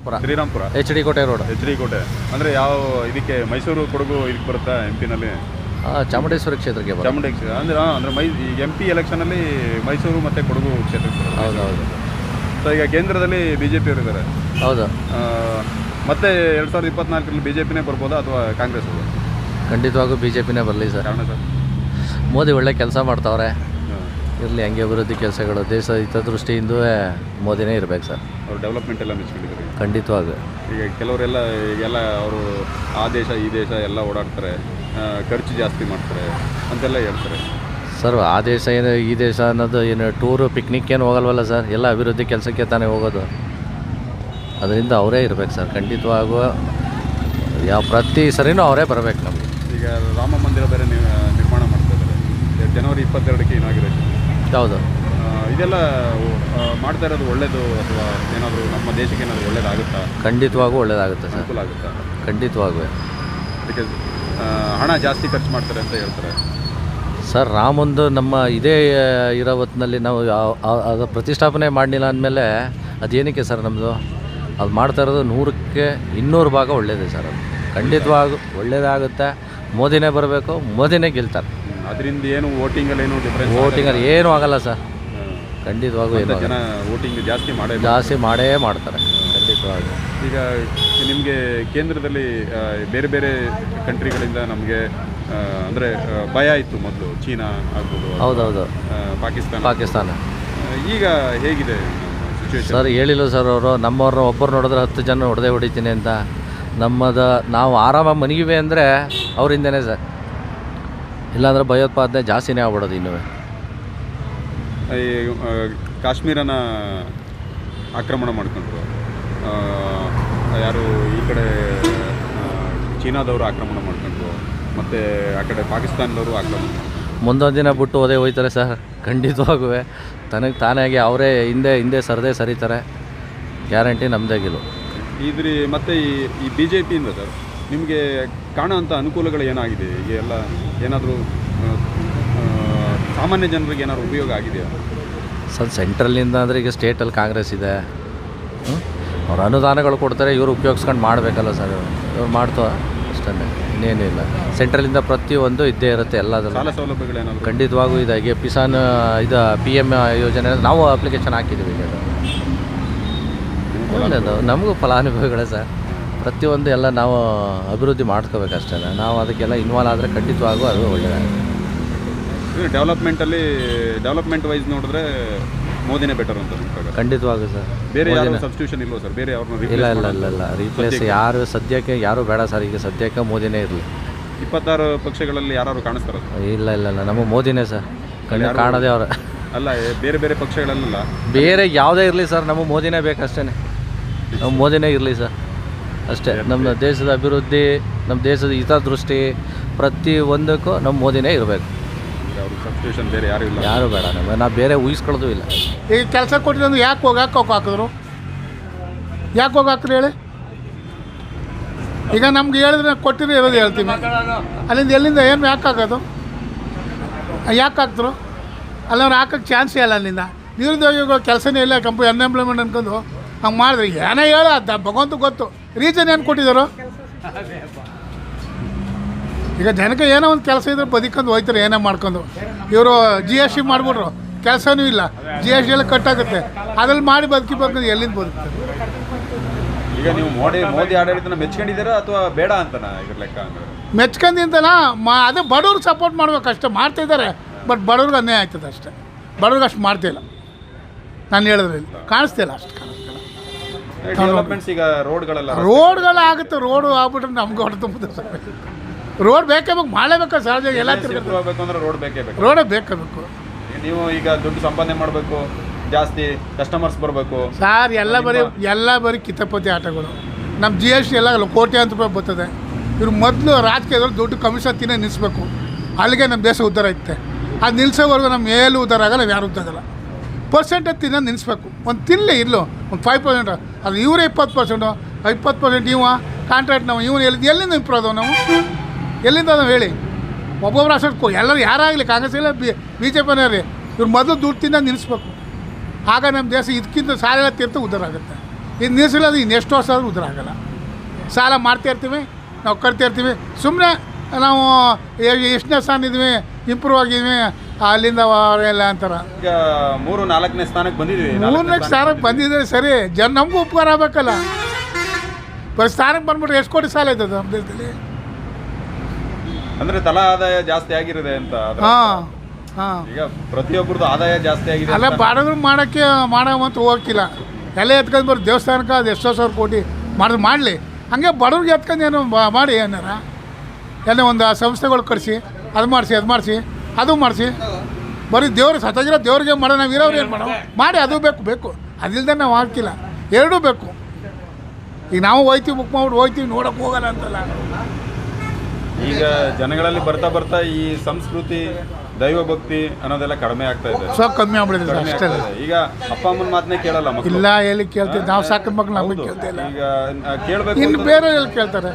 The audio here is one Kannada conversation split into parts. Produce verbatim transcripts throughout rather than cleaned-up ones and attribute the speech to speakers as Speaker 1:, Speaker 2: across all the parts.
Speaker 1: Srirampura
Speaker 2: H D Kote road.
Speaker 1: H D Kote ಅಂದರೆ ಯಾವ ಇದಕ್ಕೆ ಮೈಸೂರು ಕೊಡಗು ಇದಕ್ಕೆ ಬರುತ್ತಾ ಎಂ ಪಿನಲ್ಲಿ?
Speaker 2: ಚಾಮುಂಡೇಶ್ವರಿ ಕ್ಷೇತ್ರಕ್ಕೆ ಬರುತ್ತೆ.
Speaker 1: ಚಾಮುಂಡಿ ಕ್ಷೇತ್ರ ಅಂದರೆ ಹಾಂ ಅಂದರೆ ಮೈ ಎಂ ಪಿ ಎಲೆಕ್ಷನಲ್ಲಿ ಮೈಸೂರು ಮತ್ತು ಕೊಡಗು ಕ್ಷೇತ್ರಕ್ಕೆ ಬರುತ್ತೆ.
Speaker 2: ಹೌದು ಹೌದು.
Speaker 1: ಸೊ ಈಗ ಕೇಂದ್ರದಲ್ಲಿ ಬಿ ಜೆ ಪಿಯವರು ಇದ್ದಾರೆ.
Speaker 2: ಹೌದು.
Speaker 1: ಮತ್ತೆ ಎರಡು ಸಾವಿರದ ಇಪ್ಪತ್ನಾಲ್ಕರಲ್ಲಿ ಬಿ ಜೆ ಪಿನೇ ಬರ್ಬೋದಾ ಅಥವಾ ಕಾಂಗ್ರೆಸ್?
Speaker 2: ಖಂಡಿತವಾಗೂ ಬಿ ಜೆ ಪಿನೇ ಬರಲಿ ಸರ್.
Speaker 1: ಕಾರಣ ಸರ್
Speaker 2: ಮೋದಿ ಒಳ್ಳೆ ಕೆಲಸ ಮಾಡ್ತಾವ್ರೆ, ಇರಲಿ ಹಂಗೆ ಅಭಿವೃದ್ಧಿ ಕೆಲಸಗಳು ದೇಶ ಹಿತದೃಷ್ಟಿಯಿಂದ ಮೋದಿನೇ ಇರಬೇಕು ಸರ್.
Speaker 1: ಅವರು ಡೆವಲಪ್ಮೆಂಟ್ ಎಲ್ಲ ಮೆಚ್ಕೊಂಡಿದ್ದಾರೆ
Speaker 2: ಖಂಡಿತವಾಗೂ.
Speaker 1: ಈಗ ಕೆಲವರೆಲ್ಲ ಈಗೆಲ್ಲ ಅವರು ಆ ದೇಶ ಈ ದೇಶ ಎಲ್ಲ ಓಡಾಡ್ತಾರೆ, ಖರ್ಚು ಜಾಸ್ತಿ ಮಾಡ್ತಾರೆ ಅಂತೆಲ್ಲ ಹೇಳ್ತಾರೆ
Speaker 2: ಸರ್. ಆ ದೇಶ ಏನು ಈ ದೇಶ ಅನ್ನೋದು ಏನು ಟೂರು ಪಿಕ್ನಿಕ್ ಏನು ಹೋಗಲ್ವಲ್ಲ ಸರ್, ಎಲ್ಲ ಅಭಿವೃದ್ಧಿ ಕೆಲಸಕ್ಕೆ ತಾನೇ ಹೋಗೋದು. ಅದರಿಂದ ಅವರೇ ಇರಬೇಕು ಸರ್. ಖಂಡಿತವಾಗೂ ಯಾವ ಪ್ರತಿ ಸರಿನೂ ಅವರೇ ಬರಬೇಕು ನಮಗೆ.
Speaker 1: ಈಗ ರಾಮ ಮಂದಿರ ಬೇರೆ ನಿರ್ಮಾಣ ಮಾಡ್ತಾ ಇದ್ದಾರೆ, ಜನವರಿ ಇಪ್ಪತ್ತೆರಡಕ್ಕೆ ಇನಾಗ್ರೇಷನ್.
Speaker 2: ಹೌದು.
Speaker 1: ಇದೆಲ್ಲ ಮಾಡ್ತಾ ಇರೋದು ಒಳ್ಳೇದು ಅಥವಾ ಏನಾದರೂ ನಮ್ಮ ದೇಶಕ್ಕೆ ಏನಾದರೂ ಒಳ್ಳೇದಾಗುತ್ತಾ?
Speaker 2: ಖಂಡಿತವಾಗೂ ಒಳ್ಳೇದಾಗುತ್ತೆ ಸರ್.
Speaker 1: ಅನುಕೂಲ ಆಗುತ್ತಾ?
Speaker 2: ಖಂಡಿತವಾಗೂ.
Speaker 1: ಬಿಕಾಸ್ ಹಣ ಜಾಸ್ತಿ ಖರ್ಚು ಮಾಡ್ತಾರೆ ಅಂತ ಹೇಳ್ತಾರೆ
Speaker 2: ಸರ್. ರಾಮಂದು ನಮ್ಮ ಇದೇ ಇರೋ ಹೊತ್ತಿನಲ್ಲಿ ನಾವು ಅದು ಪ್ರತಿಷ್ಠಾಪನೆ ಮಾಡಲಿಲ್ಲ ಅಂದಮೇಲೆ ಅದೇನಕ್ಕೆ ಸರ್ ನಮ್ಮದು ಅದು ಮಾಡ್ತಾ ಇರೋದು ನೂರಕ್ಕೆ ಇನ್ನೂರು ಭಾಗ ಒಳ್ಳೆಯದೇ ಸರ್. ಅದು ಖಂಡಿತವಾಗೂ ಒಳ್ಳೆಯದಾಗುತ್ತೆ. ಮೋದಿನೇ ಬರಬೇಕು, ಮೋದಿನೇ ಗೆಲ್ತಾರೆ.
Speaker 1: ಅದರಿಂದ ಏನು ವೋಟಿಂಗಲ್ಲಿ ಏನು ಡಿಫ್ರೆನ್ಸ್?
Speaker 2: ವೋಟಿಂಗಲ್ಲಿ ಏನೂ ಆಗಲ್ಲ ಸರ್. ಖಂಡಿತವಾಗೂ ಏನು
Speaker 1: ಜನ ವೋಟಿಂಗ್ ಜಾಸ್ತಿ ಮಾಡೇ
Speaker 2: ಜಾಸ್ತಿ ಮಾಡೇ ಮಾಡ್ತಾರೆ ಖಂಡಿತವಾಗೂ.
Speaker 1: ಈಗ ನಿಮಗೆ ಕೇಂದ್ರದಲ್ಲಿ ಬೇರೆ ಬೇರೆ ಕಂಟ್ರಿಗಳಿಂದ ನಮಗೆ ಅಂದರೆ ಭಯ ಇತ್ತು ಮೊದಲು, ಚೀನಾ ಆಗ್ಬೋದು,
Speaker 2: ಹೌದೌದು,
Speaker 1: ಪಾಕಿಸ್ತಾನ
Speaker 2: ಪಾಕಿಸ್ತಾನ.
Speaker 1: ಈಗ ಹೇಗಿದೆ ಸಿಚುವೇಶನ್?
Speaker 2: ಸರ್ ಹೇಳಿಲ್ಲ ಸರ್ ಅವರು, ನಮ್ಮವ್ರನ್ನ ಒಬ್ಬರು ನೋಡಿದ್ರೆ ಹತ್ತು ಜನ ಹೊಡೆದೇ ಹೊಡಿತೀನಿ ಅಂತ. ನಮ್ಮದು ನಾವು ಆರಾಮಾಗಿ ಮನಗಿವೆ ಅಂದರೆ ಅವರಿಂದನೇ ಸರ್. ಇಲ್ಲಾಂದ್ರೆ ಭಯೋತ್ಪಾದನೆ ಜಾಸ್ತಿನೇ ಆಗ್ಬಿಡೋದು. ಇನ್ನೂ
Speaker 1: ಈ ಕಾಶ್ಮೀರನ ಆಕ್ರಮಣ ಮಾಡ್ಕೊಂಡ್ರು, ಯಾರು ಈ ಕಡೆ ಚೀನಾದವರು ಆಕ್ರಮಣ ಮಾಡ್ಕೊಂಡ್ರು, ಮತ್ತು ಆ ಕಡೆ ಪಾಕಿಸ್ತಾನದವರು ಆಕ್ರಮಣ.
Speaker 2: ಮುಂದೊಂದು ದಿನ ಬಿಟ್ಟು ಹೋದೇ ಹೋಯ್ತಾರೆ ಸರ್. ಖಂಡಿತವಾಗೂ ತನಗೆ ತಾನಾಗಿ ಅವರೇ ಹಿಂದೆ ಹಿಂದೆ ಸರದೇ ಸರಿತಾರೆ. ಗ್ಯಾರಂಟಿ ನಮ್ಮದಾಗಿಲ್ಲ.
Speaker 1: ಇದ್ರಿ ಮತ್ತು ಈ ಈ ಬಿ ಜೆ ಪಿಯಿಂದ ಸರ್ ನಿಮಗೆ ಕಾಣೋಂಥ ಅನುಕೂಲಗಳು ಏನಾಗಿದೆ? ಈಗ ಎಲ್ಲ ಏನಾದರೂ ಸಾಮಾನ್ಯ ಜನರಿಗೆ ಏನಾದ್ರು ಉಪಯೋಗ ಆಗಿದೆಯಾ
Speaker 2: ಸರ್? ಸೆಂಟ್ರಲ್ಲಿಂದ ಅಂದರೆ ಈಗ ಸ್ಟೇಟಲ್ಲಿ ಕಾಂಗ್ರೆಸ್ ಇದೆ, ಅವ್ರು ಅನುದಾನಗಳು ಕೊಡ್ತಾರೆ, ಇವರು ಉಪಯೋಗಿಸ್ಕೊಂಡು ಮಾಡಬೇಕಲ್ಲ ಸರ್. ಇವ್ರು ಮಾಡ್ತೋ ಅಷ್ಟೇ, ಇನ್ನೇನೂ ಇಲ್ಲ. ಸೆಂಟ್ರಲಿಂದ ಪ್ರತಿಯೊಂದು ಇದ್ದೇ ಇರುತ್ತೆ ಎಲ್ಲದನ್ನು.
Speaker 1: ಸಾಲ ಸೌಲಭ್ಯಗಳೇನಾದ್ರು
Speaker 2: ಖಂಡಿತವಾಗೂ ಇದಾಗಿ ಕಿಸಾನ್ ಇದು ಪಿ ಎಮ್ ಯೋಜನೆ ನಾವು ಅಪ್ಲಿಕೇಶನ್ ಹಾಕಿದ್ದೀವಿ. ಈಗ ಒಳ್ಳೆಯದು, ನಮಗೂ ಫಲಾನುಭವಿಗಳೇ ಸರ್. ಪ್ರತಿಯೊಂದು ಎಲ್ಲ ನಾವು ಅಭಿವೃದ್ಧಿ ಮಾಡ್ಕೋಬೇಕಷ್ಟೇ. ನಾವು ಅದಕ್ಕೆಲ್ಲ ಇನ್ವಾಲ್ವ್ ಆದರೆ ಖಂಡಿತವಾಗೂ ಅದು ಒಳ್ಳೆಯದಾಗುತ್ತೆ.
Speaker 1: ಡೆವಲಪ್ಮೆಂಟಲ್ಲಿ ಡೆವಲಪ್ಮೆಂಟ್ ವೈಸ್ ನೋಡಿದ್ರೆ ಮೋದಿನೇ ಬೆಟರ್ ಅಂತ
Speaker 2: ಖಂಡಿತವಾಗೂ ಸರ್.
Speaker 1: ಬೇರೆ ಯಾರು ಸಬ್ಸ್ಟಿಟ್ಯೂಷನ್ ಇಲ್ವಾ ಸರ್? ಬೇರೆ ಅವ್ರನ್ನ
Speaker 2: ಇಲ್ಲ ಇಲ್ಲ ಇಲ್ಲ ಇಲ್ಲ ರೀಪ್ಲೇಸ್ ಯಾರು ಸದ್ಯಕ್ಕೆ ಯಾರು ಬೇಡ ಸರ್. ಈಗ ಸದ್ಯಕ್ಕೆ ಮೋದಿನೇ ಇರಲಿ.
Speaker 1: ಇಪ್ಪತ್ತಾರು ಪಕ್ಷಗಳಲ್ಲಿ ಯಾರು ಕಾಣಿಸ್ತಾರ?
Speaker 2: ಇಲ್ಲ ಇಲ್ಲ ಇಲ್ಲ ನಮಗೆ ಮೋದಿನೇ ಸರ್. ಕಣ್ಣು ಕಾಣೋದೇ ಅವ್ರ
Speaker 1: ಅಲ್ಲ, ಬೇರೆ ಬೇರೆ ಪಕ್ಷಗಳಲ್ಲ,
Speaker 2: ಬೇರೆ ಯಾವುದೇ ಇರಲಿ ಸರ್, ನಮಗೆ ಮೋದಿನೇ ಬೇಕಷ್ಟೇ. ನಾವು ಮೋದಿನೇ ಇರಲಿ ಸರ್ ಅಷ್ಟೇ. ನಮ್ಮ ದೇಶದ ಅಭಿವೃದ್ಧಿ, ನಮ್ಮ ದೇಶದ ಹಿತದೃಷ್ಟಿ ಪ್ರತಿ ಒಂದಕ್ಕೂ ನಮ್ಮ ಮೋದಿನೇ ಇರಬೇಕು.
Speaker 1: ಸಬ್ಸ್ಟಿಟ್ಯೂಷನ್ ಬೇರೆ ಯಾರು ಇಲ್ಲ,
Speaker 2: ಯಾರು ಬೇಡ. ನಮಗೆ ನಾವು ಬೇರೆ ಊಹಿಸ್ಕೊಳ್ಳೋದು ಇಲ್ಲ.
Speaker 3: ಈಗ ಕೆಲಸ ಕೊಟ್ಟಿದ್ದು ಯಾಕೆ ಹೋಗಾಕ ಹೋಗಿ ಹಾಕಿದ್ರು? ಯಾಕೆ ಹೋಗಿ ಹಾಕ್ರಿ ಹೇಳಿ? ಈಗ ನಮ್ಗೆ ಹೇಳಿದ್ರೆ ಕೊಟ್ಟಿರೋ ಇರೋದು ಹೇಳ್ತೀನಿ. ಅಲ್ಲಿಂದ ಎಲ್ಲಿಂದ ಏನು ಯಾಕೆ ಹಾಕೋದು? ಯಾಕೆ ಹಾಕ್ತರು? ಅಲ್ಲವ್ರು ಹಾಕೋಕ್ಕೆ ಚಾನ್ಸೇ ಇಲ್ಲ. ಅಲ್ಲಿಂದ ನಿರುದ್ಯೋಗಿಗಳು ಕೆಲಸನೇ ಇಲ್ಲ, ಕಂಪನಿ ಅನ್ಎಂಪ್ಲಾಯ್ಮೆಂಟ್ ಅನ್ಕೊಂಡು ಹಂಗೆ ಮಾಡಿದ್ರೆ ಏನೇ ಹೇಳ ಅದ ಭಗವಂತ ಗೊತ್ತು. ರೀಸನ್ ಏನು ಕೊಟ್ಟಿದ್ದಾರೋ? ಈಗ ಜನಕ್ಕೆ ಏನೋ ಒಂದು ಕೆಲಸ ಇದ್ರೆ ಬದುಕೊಂಡು ಹೋಯ್ತಾರೆ, ಏನೇ ಮಾಡ್ಕೊಂಡು. ಇವರು ಜಿ ಎಸ್ ಟಿ ಮಾಡಿಬಿಟ್ರು, ಕೆಲಸನೂ ಇಲ್ಲ, ಜಿ ಎಸ್ ಟಿ ಎಲ್ಲ ಕಟ್ಟಾಗುತ್ತೆ. ಅದ್ರಲ್ಲಿ ಮಾಡಿ ಬದುಕಿ ಬರ್ಕೊಂಡು ಎಲ್ಲಿಂದ ಬದುಕ್ತಾರೆ?
Speaker 1: ಈಗ ನೀವು ಮೋದಿ ಮೋದಿ ಆಡಳಿತನ ಮೆಚ್ಕೊಂಡಿದ್ದೀರಾ ಅಥವಾ ಬೇಡ ಅಂತನಾ ಇದ್ರ ಲೆಕ್ಕ?
Speaker 3: ಮೆಚ್ಕೊಂಡಿಂತನ ಮಾ ಅದೇ ಬಡವ್ರಿಗೆ ಸಪೋರ್ಟ್ ಮಾಡ್ಬೇಕು ಅಷ್ಟೇ. ಮಾಡ್ತಾಯಿದ್ದಾರೆ, ಬಟ್ ಬಡವ್ರಿಗೆ ಅನ್ಯಾಯ ಆಯ್ತದೆ ಅಷ್ಟೇ. ಬಡವ್ರಿಗೆ ಅಷ್ಟು ಮಾಡ್ತಿಲ್ಲ. ನಾನು ಹೇಳಿದ್ರೆ ಕಾಣಿಸ್ತಿಲ್ಲ, ಅಷ್ಟು ಕಾಣಿಸ್ತಿಲ್ಲ.
Speaker 1: ಡೆವಲಪ್ಮೆಂಟ್ಸ್ ಈಗ ರೋಡ್ಗಳೆಲ್ಲ
Speaker 3: ರೋಡ್ಗಳು ಆಗುತ್ತೆ. ರೋಡು ಆಗ್ಬಿಟ್ರೆ ನಮ್ಗೆ ಹೊಡೆ ತುಂಬುತ್ತೆ ಸರ್. ರೋಡ್ ಬೇಕೇ ಬೇಕು, ಮಾಡಲೇಬೇಕು. ಸಹಜ ಎಲ್ಲ
Speaker 1: ತಿರ್ಗಬೇಕು ಅಂದ್ರೆ ರೋಡ್ ಬೇಕೇ ಬೇಕು.
Speaker 3: ರೋಡೇ ಬೇಕೇ ಬೇಕು.
Speaker 1: ನೀವು ಈಗ ದುಡ್ಡು ಸಂಪಾದನೆ ಮಾಡಬೇಕು, ಜಾಸ್ತಿ ಕಸ್ಟಮರ್ಸ್ ಬರಬೇಕು
Speaker 3: ಸರ್. ಎಲ್ಲ ಬರೀ ಎಲ್ಲ ಬರೀ ಕಿತಾಪತಿ ಆಟಗಳು. ನಮ್ಮ ಜಿ ಎಸ್ ಟಿ ಎಲ್ಲ ಕೋಟ್ಯಾಂತರ ರೂಪಾಯಿ ಬರ್ತದೆ. ಇವ್ರು ಮೊದಲು ರಾಜಕೀಯದವ್ರು ದುಡ್ಡು ಕಮಿಷನ್ ತಿನ್ನೋ ನಿಲ್ಲಿಸ್ಬೇಕು. ಅಲ್ಲಿಗೆ ನಮ್ಮ ದೇಶ ಉದ್ಧಾರ ಐತೆ. ಅದು ನಿಲ್ಲಿಸೋವರೆಗೂ ನಮ್ಮ ಏನು ಉದ್ಧಾರ ಆಗಲ್ಲ, ಯಾರು ಉದ್ಧಾರ ಆಗಲ್ಲ. ಪರ್ಸೆಂಟೇಜ್ ತಿನ್ನೋದು ನಿಲ್ಲಿಸ್ಬೇಕು. ಒಂದು ತಿನ್ನಲಿ ಇಲ್ಲೋ ಒಂದು ಫೈವ್ ಪರ್ಸೆಂಟ್. ಅದು ಇವರೇ ಇಪ್ಪತ್ತು ಪರ್ಸೆಂಟು ಇಪ್ಪತ್ತು ಪರ್ಸೆಂಟ್ ಇವ ಕಾಂಟ್ರಾಕ್ಟ್ ನಾವು ಇವನು ಎಲ್ಲಿ ಎಲ್ಲಿಂದ ಇಂಪ್ರೂವ್ ಅದಾವೆ? ನಾವು ಎಲ್ಲಿಂದ ಅದಾವೆ ಹೇಳಿ? ಒಬ್ಬೊಬ್ಬರು ಅಷ್ಟು ಎಲ್ಲರೂ ಯಾರಾಗಲಿ, ಕಾಂಗ್ರೆಸ್ ಇಲ್ಲ ಬಿ ಬಿ ಜೆ ಪಿನೇ ರೀ, ಇವ್ರು ಮೊದಲು ದುಡ್ಡು ತಿನ್ನೋದು ನಿಲ್ಲಿಸ್ಬೇಕು. ಆಗ ನಮ್ಮ ದೇಶ ಇದಕ್ಕಿಂತ ಸಾಲ ತೀರ್ಥ ಉದ್ಧಾರ ಆಗುತ್ತೆ. ಇದು ನಿಲ್ಲಿಸಿಲ್ಲ ಅದು ಇನ್ನೆಷ್ಟು ವರ್ಷ ಆದರೂ ಉದ್ಧಾರ ಆಗಲ್ಲ. ಸಾಲ ಮಾಡ್ತಾ ಇರ್ತೀವಿ, ನಾವು ಕಟ್ತಾ ಇರ್ತೀವಿ, ಸುಮ್ಮನೆ ನಾವು ಎಷ್ಟನೇ ಸ್ಥಾನ ಇದ್ವಿ, ಇಂಪ್ರೂವ್ ಆಗಿದ್ವಿ, ಅಲ್ಲಿಂದ ಎಲ್ಲ ಅಂತಾರೆ.
Speaker 1: ಈಗ ಮೂರು ನಾಲ್ಕನೇ ಸ್ಥಾನಕ್ಕೆ ಬಂದಿದ್ದೀವಿ.
Speaker 3: ಮೂರನೇ ಸ್ಥಾನಕ್ಕೆ ಬಂದಿದ್ರೆ ಸರಿ, ಜನ ನಮಗೂ ಉಪಕಾರ ಆಗಬೇಕಲ್ಲ. ಬರೀ ಸ್ಥಾನಕ್ಕೆ ಬಂದ್ಬಿಟ್ರೆ ಎಷ್ಟು ಕೋಟಿ ಸಾಲ ಇದ್ದದು ನಮ್ಮ ದೇಶದಲ್ಲಿ?
Speaker 1: ಅಂದರೆ ತಲಾ ಆದಾಯ ಜಾಸ್ತಿ ಆಗಿರುತ್ತೆ ಅಂತ.
Speaker 3: ಹಾಂ ಹಾಂ
Speaker 1: ಈಗ ಪ್ರತಿಯೊಬ್ಬರದ್ದು ಆದಾಯ ಜಾಸ್ತಿ ಆಗಿದೆ.
Speaker 3: ಅಲ್ಲ ಬಾಡಿದ್ರು ಮಾಡೋಕ್ಕೆ ಮಾಡೋವಂತ ಹೋಗಿಲ್ಲ. ಎಲ್ಲ ಎತ್ಕೊಂಡು ಬರೋ ದೇವಸ್ಥಾನಕ್ಕೆ ಅದು ಎಷ್ಟೋ ಸಾವಿರ ಕೋಟಿ ಮಾಡಿದ್ರು ಮಾಡಲಿ, ಹಂಗೆ ಬಡವ್ರಿಗೆ ಎತ್ಕೊಂಡು ಏನು ಮಾಡಿ ಏನಾರ ಏನೋ ಒಂದು ಸಂಸ್ಥೆಗಳು ಕಳಿಸಿ ಅದು ಮಾಡಿಸಿ ಅದು ಮಾಡಿಸಿ ಅದು ಮಾಡಿಸಿ. ಬರೀ ದೇವ್ರು ಸತ್ತಾಗಿರೋ ದೇವ್ರಿಗೆ ಮಾಡೋ, ನಾವು ಇರೋರು ಏನು ಮಾಡೋ ಮಾಡಿ, ಅದು ಬೇಕು ಬೇಕು ಅದಿಲ್ಲದೆ ನಾವು ಹಾಕಿಲ್ಲ. ಎರಡೂ ಬೇಕು. ಈಗ ನಾವು ಹೋಯ್ತೀವಿ, ಬುಕ್ ಮಾಡ್ಬಿಟ್ಟು ಹೋಗ್ತೀವಿ, ನೋಡೋಕೆ ಹೋಗಲ್ಲ ಅಂತಲ್ಲ.
Speaker 1: ಈಗ ಜನಗಳಲ್ಲಿ ಬರ್ತಾ ಬರ್ತಾ ಈ ಸಂಸ್ಕೃತಿ ದೈವ ಭಕ್ತಿ ಅನ್ನೋದೆಲ್ಲ ಕಡಿಮೆ ಆಗ್ತಾ ಇದೆ.
Speaker 3: ಸೊ ಕಮ್ಮಿ ಆಗ್ಬಿಡಿದ್ರೆ ಅಷ್ಟೇ.
Speaker 1: ಈಗ ಅಪ್ಪ ಅಮ್ಮನ ಮಾತನ್ನೇ ಕೇಳಲ್ಲ ಮಕ್ಕಳು.
Speaker 3: ಇಲ್ಲ, ಎಲ್ಲಿ ಕೇಳ್ತೀವಿ ನಾವು? ಸಾಕಿದ ಮಕ್ಳು ನಮಗೆ ಕೇಳ್ತಾ ಇಲ್ಲ.
Speaker 1: ಈಗ ಕೇಳಬೇಕು
Speaker 3: ಇನ್ನು ಬೇರೆ ಎಲ್ಲಿ ಕೇಳ್ತಾರೆ?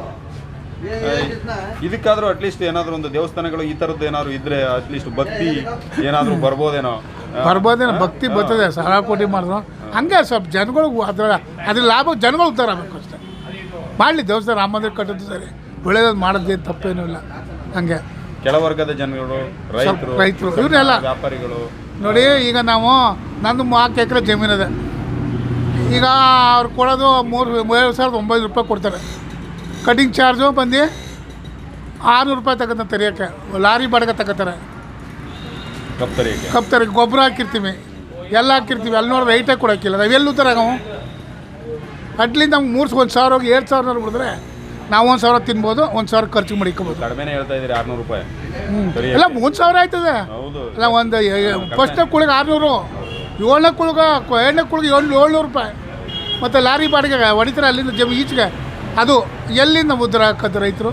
Speaker 1: ಇದಕ್ಕಾದ್ರೂ ಅಟ್ಲೀಸ್ಟ್ ಏನಾದ್ರು ಒಂದು ದೇವಸ್ಥಾನಗಳು ಈ ಥರದ್ದು ಏನಾದ್ರು ಇದ್ರೆ ಅಟ್ಲೀಸ್ಟ್ ಭಕ್ತಿ ಏನಾದರೂ ಬರ್ಬೋದೇನೋ.
Speaker 3: ಬರ್ಬೋದೇನೋ, ಭಕ್ತಿ ಬರ್ತದೆ. ಸಾವಿರ ಕೋಟಿ ಮಾಡಿದ್ರು ಹಂಗೆ ಸ್ವಲ್ಪ ಜನಗಳಿಗೂ ಅದರ ಅದ್ರ ಲಾಭ ಜನಗಳು ಉದ್ಧಾರ ಆಗಬೇಕು ಅಷ್ಟೇ. ಮಾಡಲಿ ದೇವಸ್ಥಾನ, ರಾಮ ಮಂದಿರ ಕಟ್ಟೋದು ಸರಿ, ಒಳ್ಳೇದು ಮಾಡೋದೇನು ತಪ್ಪೇನೂ ಇಲ್ಲ. ಹಂಗೆ
Speaker 1: ಕೆಳವರ್ಗದ ಜನಗಳು, ರೈತರು
Speaker 3: ರೈತರು ಇವನ್ನೆಲ್ಲ
Speaker 1: ವ್ಯಾಪಾರಿಗಳು
Speaker 3: ನೋಡಿ. ಈಗ ನಾವು ನಂದು ನಾಲ್ಕು ಎಕರೆ ಜಮೀನಿದೆ. ಈಗ ಅವ್ರು ಕೊಡೋದು ಮೂರು ಏಳು ಸಾವಿರದ ಒಂಬೈನೂರು ರೂಪಾಯಿ ಕೊಡ್ತಾರೆ. ಕಟಿಂಗ್ ಚಾರ್ಜು ಬಂದು ಆರುನೂರು ರೂಪಾಯಿ ತಗೋತಾರೆ ತೆರೆಯೋಕ್ಕೆ. ಲಾರಿ ಬಾಡಿಗೆ ತಗೋತಾರೆ.
Speaker 1: ಕಪ್ತರಿಗೆ
Speaker 3: ಕಪ್ತಾರೆ ಗೊಬ್ಬರ ಹಾಕಿರ್ತೀವಿ, ಎಲ್ಲ ಹಾಕಿರ್ತೀವಿ. ಅಲ್ಲಿ ನೋಡಿದ್ರೆ ರೈಟಾಗಿ ಕೊಡೋಕ್ಕಿಲ್ಲ. ನಾವು ಎಲ್ಲಿ ಉತ್ತರ ನಾವು ಅಟ್ಲಿಂದ ನಮ್ಗೆ ಮೂರು ಒಂದು ಸಾವಿರ ಹೋಗಿ ಎರಡು ಸಾವಿರ ಬಿಡಿದ್ರೆ ನಾವು ಒಂದು ಸಾವಿರ ತಿನ್ಬೋದು, ಒಂದು ಸಾವಿರ ಖರ್ಚು ಮಾಡಿಕೋಬೋದು.
Speaker 1: ಕಡಿಮೆನೇ ಹೇಳ್ತಾ ಇದ್ದೀರಿ ಆರುನೂರು ರೂಪಾಯಿ.
Speaker 3: ಎಲ್ಲ ಮೂರು ಸಾವಿರ ಆಯ್ತದೆ. ಅಲ್ಲ ಒಂದು ಫಸ್ಟ್ನೇ ಕುಳಿಗೆ ಆರುನೂರು, ಏಳನೇ ಕುಳಿಗ ಎರಡನೇ ಕುಳಿಗೆ ಏಳು ಏಳ್ನೂರು ರೂಪಾಯಿ. ಮತ್ತು ಲಾರಿ ಬಾಡಿಗೆ ಹೊಡಿತಾರೆ ಅಲ್ಲಿಂದ ಜಮೀನು ಈಚೆಗೆ. ಅದು ಎಲ್ಲಿಂದ ಮುದ್ರ ಹಾಕೋದು ರೈತರು?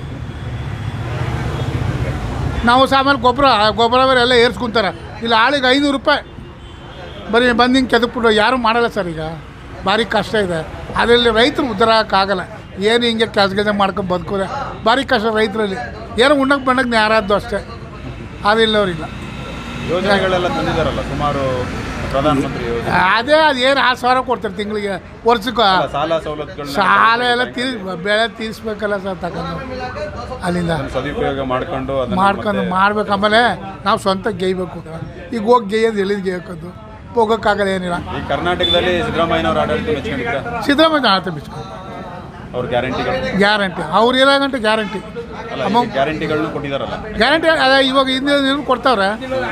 Speaker 3: ನಾವು ಸಾಮಾನ್ಯ ಗೊಬ್ಬರ ಗೊಬ್ಬರ ಬೇರೆ ಎಲ್ಲ ಏರ್ಸ್ಕೊಂತಾರೆ. ಇಲ್ಲ ಆಳಿಗೆ ಐನೂರು ರೂಪಾಯಿ ಬರೀ ಬಂದು ಹಿಂಗೆ ಕೆದಕ್ಬಿಟ್ಟು ಯಾರೂ ಮಾಡಲ್ಲ ಸರ್. ಈಗ ಭಾರಿ ಕಷ್ಟ ಇದೆ. ಅದರಲ್ಲಿ ರೈತರು ಉದ್ಧಾರ ಹಾಕೋಕ್ಕಾಗಲ್ಲ. ಏನು ಹಿಂಗೆ ಕೆಲಸ ಕೆಲಸ ಮಾಡ್ಕೊಂಡು ಬದುಕೋದೆ ಭಾರಿ ಕಷ್ಟ ರೈತರಲ್ಲಿ. ಏನೋ ಉಣ್ಣಕ್ಕೆ ಬಣ್ಣಕ್ಕೆ ಯಾರಾದ್ದು ಅಷ್ಟೇ, ಅದಿಲ್ಲವ್ರಿಲ್ಲ.
Speaker 1: ಯೋಜನೆಗಳೆಲ್ಲ ತಂದಿದ್ದಾರಲ್ಲ ಸುಮಾರು, ಪ್ರಧಾನಮಂತ್ರಿ ಯೋಜನೆ.
Speaker 3: ಅದೇ ಅದು ಏನು ಆರು ಸಾವಿರ ಕೊಡ್ತಾರೆ ತಿಂಗಳಿಗೆ, ವರ್ಷಕ್ಕೆ.
Speaker 1: ಸಾಲ ಸವಲತ್ತುಗಳು
Speaker 3: ಸಾಲ ಎಲ್ಲ ತೀರ್ ಬೆಳೆ ತೀರಿಸ್ಬೇಕಲ್ಲ ಸರ್ ತಗೊಂಡು ಅಲ್ಲಿಂದ
Speaker 1: ಸದುಪಯೋಗ ಮಾಡ್ಕೊಂಡು
Speaker 3: ಮಾಡ್ಕೊಂಡು ಮಾಡ್ಬೇಕು. ಆಮೇಲೆ ನಾವು ಸ್ವಂತ ಗೇಯ್ಬೇಕು. ಈಗ ಹೋಗಿ ಗೇಯೋದು ಎಲ್ಲಿದ್ದು ಗೇಯಕ್ಕದ್ದು ಹೋಗೋಕ್ಕಾಗಲ್ಲ, ಏನಿಲ್ಲ.
Speaker 1: ಈ ಕರ್ನಾಟಕದಲ್ಲಿ ಸಿದ್ದರಾಮಯ್ಯನವ್ರ ಆಡಳಿತ ಮೆಚ್ಕೊಂಡಿದ್ರ?
Speaker 3: ಸಿದ್ದರಾಮಯ್ಯ ಆಡಳಿತ ಮೆಚ್ಕೊಂಡು
Speaker 1: ಅವ್ರ ಗ್ಯಾರಂಟಿಗಳು
Speaker 3: ಗ್ಯಾರಂಟಿ ಅವ್ರು ಇರೋ ಗಂಟೆ ಗ್ಯಾರಂಟಿ
Speaker 1: ಗ್ಯಾರಂಟಿಗಳನ್ನ ಕೊಟ್ಟಿದ್ದಾರಲ್ಲ.
Speaker 3: ಗ್ಯಾರಂಟಿ ಅದೇ ಇವಾಗ ಹಿಂದೆ ಕೊಡ್ತಾವ್ರೆ.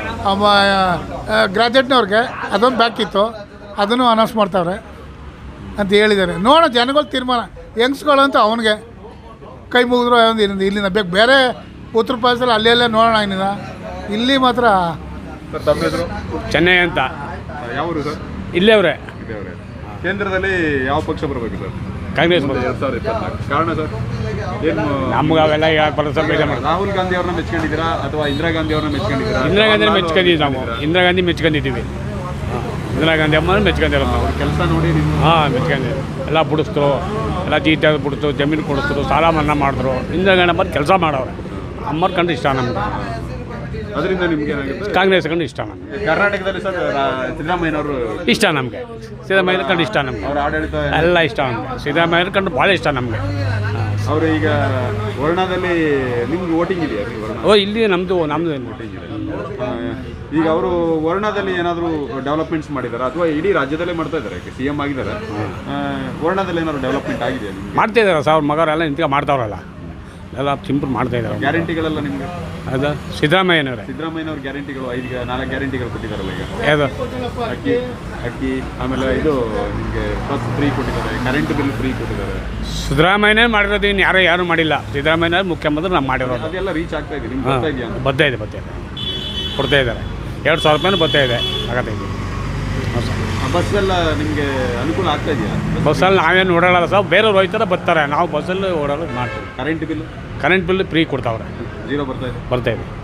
Speaker 3: ಗ್ರಾಜುಯೇಟ್ನವ್ರಿಗೆ ಅದೊಂದು ಬ್ಯಾಕಿತ್ತು, ಅದನ್ನು ಅನೌನ್ಸ್ ಮಾಡ್ತಾವ್ರೆ ಅಂತ ಹೇಳಿದ್ದಾರೆ. ನೋಡೋ ಜನಗಳು ತೀರ್ಮಾನ. ಯಂಗ್ಸ್ಗಳು ಅಂತ ಅವನಿಗೆ ಕೈ ಮುಗಿದ್ರು ಒಂದು ಇಲ್ಲಿಂದ ಇಲ್ಲಿಂದ ಬೇಕು. ಬೇರೆ ಉತ್ತರ ಪ್ರದೇಶದಲ್ಲಿ ಅಲ್ಲೇ ಅಲ್ಲೇ ನೋಡೋಣ. ಇನ್ನಿಲ್ಲ ಇಲ್ಲಿ ಮಾತ್ರ.
Speaker 1: ಸರ್ ತಮ್ಮ ಹೆಸರು?
Speaker 4: ಚೆನ್ನೈ ಅಂತ.
Speaker 1: ಯಾವರು ಸರ್?
Speaker 4: ಇಲ್ಲೇ ಅವರೇ.
Speaker 1: ಕೇಂದ್ರದಲ್ಲಿ ಯಾವ ಪಕ್ಷ ಬರಬೇಕು ಸರ್?
Speaker 4: ಕಾಂಗ್ರೆಸ್.
Speaker 1: ಎರಡು ಸಾವಿರದ ಇಪ್ಪತ್ನಾಲ್ಕು. ಕಾರಣ ಸರ್ ಏನು?
Speaker 4: ನಮ್ಗೆ ಅವೆಲ್ಲ
Speaker 1: ರಾಹುಲ್ ಗಾಂಧಿ ಅವ್ರನ್ನ ಮೆಚ್ಕೊಂಡಿದ್ದೀರಾ ಅಥವಾ ಇಂದಿರಾ ಗಾಂಧಿ ಅವ್ರನ್ನ ಮೆಚ್ಕೊಂಡಿದ್ದೀರಾ?
Speaker 4: ಇಂದಿರಾ ಗಾಂಧಿ ಮೆಚ್ಕೊಂಡಿದ್ದೀವಿ ನಾವು. ಇಂದಿರಾ ಗಾಂಧಿ ಮೆಚ್ಕೊಂಡಿದ್ದೀವಿ. ಇಂದಿರಾ ಗಾಂಧಿ ಅಮ್ಮ ಮೆಚ್ಕೊಂಡಿರೋ ನಾವು.
Speaker 1: ಕೆಲಸ ನೋಡಿ
Speaker 4: ಹಾಂ ಮೆಚ್ಕೊಂಡಿದ್ದೀವಿ. ಎಲ್ಲ ಬಿಡಿಸ್ತರು, ಎಲ್ಲ ಜೀತ ಬಿಡಿಸ್ತು, ಜಮೀನು ಕೊಡಿಸ್ತರು, ಸಾಲ ಮನ್ನಾ ಮಾಡಿದ್ರು. ಇಂದಿರಾ ಗಾಂಧಿ ಅಮ್ಮ ಕೆಲಸ ಮಾಡೋರು. ಅಮ್ಮರ ಕಂಡು ಇಷ್ಟ ನಮ್ಗೆ.
Speaker 1: ಅದರಿಂದ ನಿಮ್ಗೆ ಏನಾಗುತ್ತೆ?
Speaker 4: ಕಾಂಗ್ರೆಸ್ ಕಂಡು ಇಷ್ಟ ನಮ್ಗೆ.
Speaker 1: ಕರ್ನಾಟಕದಲ್ಲಿ ಸರ್ ಸಿದ್ದರಾಮಯ್ಯನವರು
Speaker 4: ಇಷ್ಟ ನಮಗೆ. ಸಿದ್ದರಾಮಯ್ಯನ ಕಂಡು ಇಷ್ಟ ನಮಗೆ.
Speaker 1: ಅವ್ರ ಆಡಳಿತ
Speaker 4: ಎಲ್ಲ ಇಷ್ಟ ನಮಗೆ. ಸಿದ್ದರಾಮಯ್ಯನ ಕಂಡು ಭಾಳ ಇಷ್ಟ ನಮಗೆ.
Speaker 1: ಅವರು ಈಗ ವರ್ಣದಲ್ಲಿ ನಿಮ್ಗೆ ವೋಟಿಂಗ್ ಇದೆಯಾ?
Speaker 4: ಓ ಇಲ್ಲಿ ನಮ್ಮದು ನಮ್ಮದು
Speaker 1: ವೋಟಿಂಗ್ ಇದೆ. ಈಗ ಅವರು ವರ್ಣದಲ್ಲಿ ಏನಾದರೂ ಡೆವಲಪ್ಮೆಂಟ್ಸ್ ಮಾಡಿದಾರೆ ಅಥವಾ ಇಡೀ ರಾಜ್ಯದಲ್ಲೇ ಮಾಡ್ತಾ ಇದ್ದಾರೆ? ಸಿ ಎಂ ಆಗಿದ್ದಾರೆ. ವರ್ಣದಲ್ಲಿ ಏನಾದ್ರು ಡೆವಲಪ್ಮೆಂಟ್ ಆಗಿದೆಯಾ?
Speaker 4: ಮಾಡ್ತಾ ಇದ್ದಾರೆ ಸಾವಿರ ಮಗರೆಲ್ಲ ನಿಂತ್ಕೊಂಡು ಮಾಡ್ತಾವ್ರಲ್ಲ, ಎಲ್ಲ ಸಿಂಪಲ್ ಮಾಡ್ತಾ ಇದ್ದಾರೆ.
Speaker 1: ಗ್ಯಾರಂಟಿಗಳೆಲ್ಲ ನಿಮಗೆ
Speaker 4: ಅದು ಸಿದ್ದರಾಮಯ್ಯನವರೇ.
Speaker 1: ಸಿದ್ದರಾಮಯ್ಯನವ್ರ ಗ್ಯಾರಂಟಿಗಳು ಐದು ನಾಲ್ಕು ಗ್ಯಾರಂಟಿಗಳು ಕೊಟ್ಟಿದ್ದಾರಲ್ಲ ಈಗ.
Speaker 4: ಯಾವುದು?
Speaker 1: ಅಕ್ಕಿ ಅಕ್ಕಿ ಆಮೇಲೆ ಇದು ನಿಮಗೆ ಬಸ್ ಫ್ರೀ ಕೊಟ್ಟಿದ್ದಾರೆ, ಕರೆಂಟ್ ಬಿಲ್ ಫ್ರೀ ಕೊಟ್ಟಿದ್ದಾರೆ.
Speaker 4: ಸಿದ್ದರಾಮಯ್ಯನೇ ಮಾಡಿರೋದು, ಇನ್ನು ಯಾರೋ ಯಾರು ಮಾಡಿಲ್ಲ. ಸಿದ್ದರಾಮಯ್ಯ ಮುಖ್ಯಮಂತ್ರಿ ನಾವು ಮಾಡಿರೋದು.
Speaker 1: ಅದೆಲ್ಲ ರೀಚ್ ಆಗ್ತಾ ಇದೆ ನಿಮ್ಗೆ?
Speaker 4: ಹಾಂ
Speaker 1: ಬರ್ತಾ ಇದೆಯಾ?
Speaker 4: ಬರ್ತಾ ಇದೆ ಬರ್ತಾ ಇದೆ ಕೊಡ್ತಾ ಇದ್ದಾರೆ. ಎರಡು ಸಾವಿರ ರೂಪಾಯಿನೂ ಬರ್ತಾ ಇದೆ. ಆಗತ್ತೆ ಇದೆ.
Speaker 1: ಬಸ್ಸೆಲ್ಲ ನಿಮಗೆ ಅನುಕೂಲ ಆಗ್ತಾ ಇದೆಯಾ?
Speaker 4: ಬಸ್ಸಲ್ಲಿ ನಾವೇನು ಓಡಾಡಲ್ಲ ಸರ್, ಬೇರೆಯವ್ರು ಹೋಯ್ತಾರೆ ಬರ್ತಾರೆ. ನಾವು ಬಸ್ಸಲ್ಲಿ ಓಡಾಡೋದು ಮಾಡ್ತೀವಿ.
Speaker 1: Current bill
Speaker 4: current bill free ಕೊಡ್ತಾವ್ರೆ.
Speaker 1: ಜೀರೋ ಬರ್ತಾ ಇದೆ.
Speaker 4: ಬರ್ತಾ ಇದೆ.